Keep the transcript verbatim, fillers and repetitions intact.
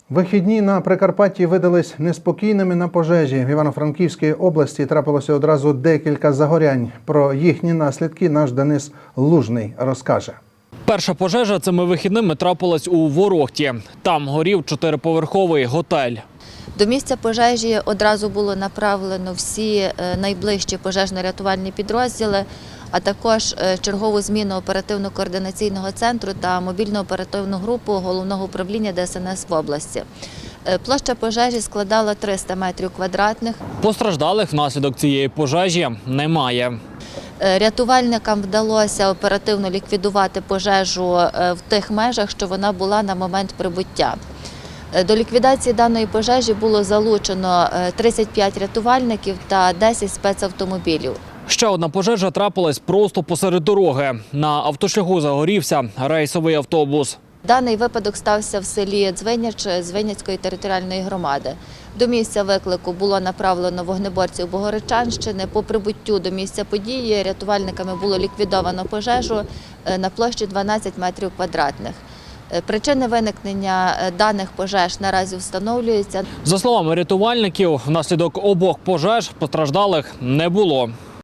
Вихідні на Прикарпатті видались неспокійними на пожежі. В Івано-Франківській області трапилося одразу декілька загорянь. Про їхні наслідки наш Денис Лужний розкаже. Перша пожежа цими вихідними трапилась у Ворохті. Там горів чотириповерховий готель. До місця пожежі одразу було направлено всі найближчі пожежно-рятувальні підрозділи, а також чергову зміну оперативно-координаційного центру та мобільну оперативну групу Головного управління Де Ес Ен Ес в області. Площа пожежі складала триста метрів квадратних. Постраждалих внаслідок цієї пожежі немає. Рятувальникам вдалося оперативно ліквідувати пожежу в тих межах, що вона була на момент прибуття. До ліквідації даної пожежі було залучено тридцять п'ять рятувальників та десять спецавтомобілів. Ще одна пожежа трапилась просто посеред дороги. На автошляху загорівся рейсовий автобус. Даний випадок стався в селі Дзвиняч Звиняцької територіальної громади. До місця виклику було направлено вогнеборців Богородчанщини. По прибуттю до місця події рятувальниками було ліквідовано пожежу на площі дванадцять метрів квадратних. Причини виникнення даних пожеж наразі встановлюються. За словами рятувальників, внаслідок обох пожеж постраждалих не було.